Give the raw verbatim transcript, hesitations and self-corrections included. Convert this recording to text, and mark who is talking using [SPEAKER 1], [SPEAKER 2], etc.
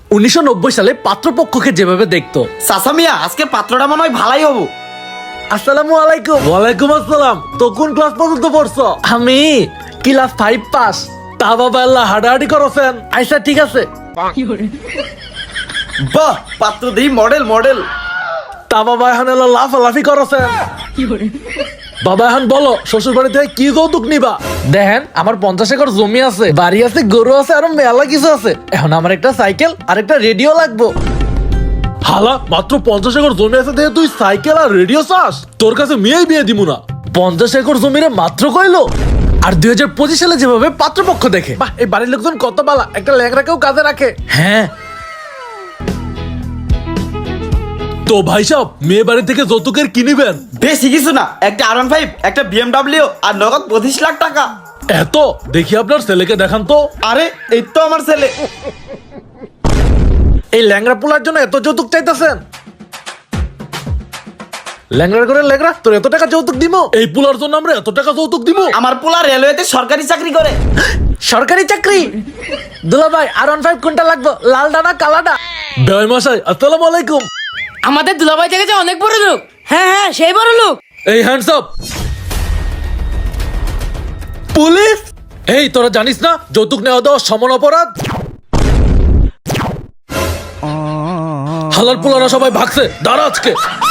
[SPEAKER 1] উনিশশো নব্বই সালে পাত্রপক্ষকে যেভাবে দেখতো।
[SPEAKER 2] চাচা মিয়া আজকে পাত্রটা মনে হয় ভালাই হবো।
[SPEAKER 1] আসসালামু আলাইকুম। ওয়ালাইকুম আসসালাম। তো কোন ক্লাস পর্যন্ত পড়ছো? আমি ক্লাস ফাইভ পাস। তা বাবা আল্লাহ হাডাহাডি করছেন? আচ্ছা ঠিক আছে।
[SPEAKER 2] বাহ, পাত্র দেই মডেল মডেল।
[SPEAKER 1] তা বাবা এখন এলো লাফালাফি করছেন? বাবা এখন বলো শ্বশুর বাড়ি থেকে কি যৌতুক নিবা? দেখেন আমার পঞ্চাশ একর জমি আছে, বাড়ি আছে, গরু আছে, আরো মেলা কিছু আছে। এখন আমার একটা সাইকেল আর একটা রেডিও লাগবো। হালা মাত্র পঞ্চাশ একর জমি আছে দেখে তুই সাইকেল আর রেডিও চাস? তোর কাছে মেয়েই বিয়ে দিমু না। পঞ্চাশ একর জমিরে মাত্র কইলো। আর দুই হাজার পঁচিশ সালে যেভাবে পাত্রপক্ষ দেখে, বাহ এই বাড়ির লোকজন কত বালা, একটা ল্যাংড়াকেও কাজে রাখে। হ্যাঁ তো ভাই সাহেব মেয়ে বাড়ি থেকে যৌতুকের কি নিবেন?
[SPEAKER 2] বেশি কিছু না, একটা আর ওয়ান ফাইভ, একটা বিএমডাব্লিউ আর নগদ পঁচিশ লাখ টাকা।
[SPEAKER 1] এত দেখি আপনার ছেলেকে দেখান তো।
[SPEAKER 2] আরে এই তো আমার ছেলে।
[SPEAKER 1] এই ল্যাংড়া পোলার জন্য এত যৌতুক চাইতেছেন? ল্যাংড়া করে ল্যাংড়া তোর এত টাকা যৌতুক দিব? এই পোলার জন্য আমরা এত টাকা যৌতুক দিব?
[SPEAKER 2] আমার পোলা রেলওয়েতে সরকারি চাকরি করে।
[SPEAKER 1] সরকারি চাকরি? দুলা ভাই আর ওয়ান ফাইভ কোনটা লাগবে, লালটা না কালাটা? বেয় মশাই আসসালামু আলাইকুম।
[SPEAKER 3] আমাদের দুলাভাই থেকে যে অনেক বড় লোক। হ্যাঁ হ্যাঁ সেই বড় লোক।
[SPEAKER 1] এই হ্যান্ডস আপ। পুলিশ? এই তোরা জানিস না যৌতুক নেওয়া দেওয়া সমান অপরাধ? হালাল পোলারা সবাই ভাগছে, দাঁড়া আজকে।